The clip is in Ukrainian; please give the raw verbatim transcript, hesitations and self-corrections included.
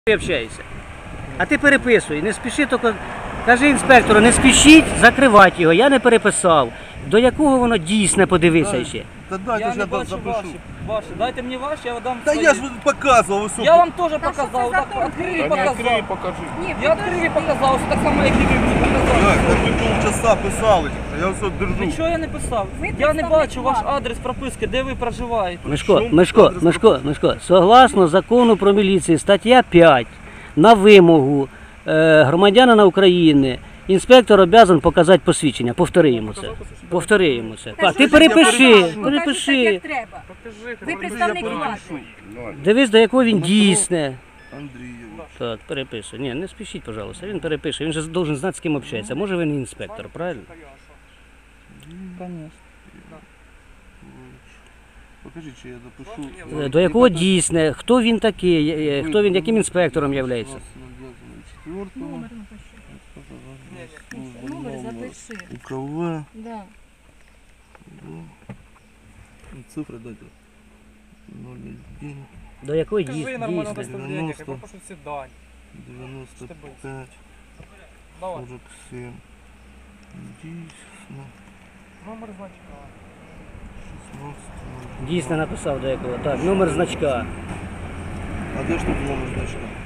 Общаєшся. А ти переписуй, не спіши, тільки кажи інспектору, не спішіть закривати його, я не переписав. До якого воно дійсне, подивися ще. Та дайте Я ж не я бачу запишу. ваші, ваші. Дайте мені ваші, я дам Та свої. я ж показував, високо. Я вам теж Та показав, що це так за відкрив і дурня? показав. покажи. Ні, Я відкрив і показав, ось так само, як і ви мені Так, показали. так ви полчаса писали, а я все держу. Нічого я не писав. Ви Я не представник бачу ваш влади. адрес прописки, де ви проживаєте. Мишко, Чому Мишко, адрес Мишко, Мишко, согласно закону про міліцію, стаття п'ять, на вимогу е, громадянина України, інспектор обов'язаний показати посвідчення. Повтори йому це. Повтори йому це. Та А, що ти ж я перепиши, покажу? Покажу так, перепиши. як треба. Ви представник влади. Дивись, до якого він дійсне. Андрійович. Так, переписуй. Ні, не спішіть, пожалуйста. Він перепише. Він же должен знати, з ким общається. Може, він і інспектор, правильно? Звісно. Покажи, чи я допишу. Е, До якого дійсне, хто він такий, е, хто він, яким інспектором є. Номер запиши. УКВ. Да. Цифри дайте. ноль один До якого Скажи дій- нормально дійсне. доставлення, я девяносто. попрошу всі дані. девяносто пять Давай. сорок семь. Дійсно. Номер значка. шістнадцять. Дійсно написав до якого. Так, номер значка. А де ж тут номер значка?